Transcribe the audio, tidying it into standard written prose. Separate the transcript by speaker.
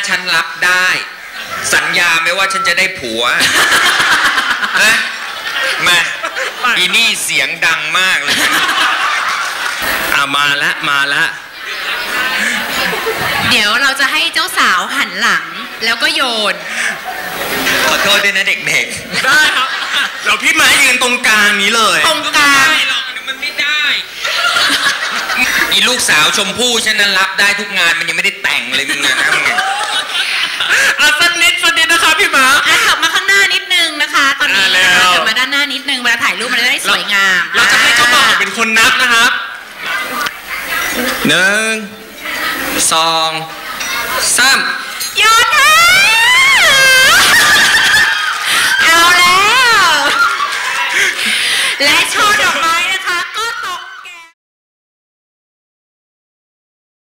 Speaker 1: ฉันรับได้สัญญาไหมว่าฉันจะได้ผัวนะมาอีนี่เสียงดังมากเลยมาละ
Speaker 2: เดี๋ยวเราจะให้เจ้าสาวหันหลังแล้วก็โยน
Speaker 1: ขอโทษด้วยนะเด็ก
Speaker 3: ๆได้ครับเราพี่ไม้ยืนตรงกลางนี้เลย
Speaker 2: ตรงกลาง
Speaker 1: หรอกมันไม่ได้อีลูกสาวชมพู่ฉันนั้นรับได้ทุกงานมันยังไม่ได้แต่งเลยมึงนะ
Speaker 3: สักนิดนะคะพี่หมา
Speaker 2: ขับมาข้างหน้านิดนึงนะคะตอนนี้นะคะกลับมาด้านหน้านิดนึงเวลาถ่ายรูปมันจะได้สวยงาม
Speaker 3: เราจะให้เจ้าบ่าวเป็นคนนับนะครับ
Speaker 1: 1 2 3
Speaker 2: โยนค่ะเอาแล้วและช่อดอก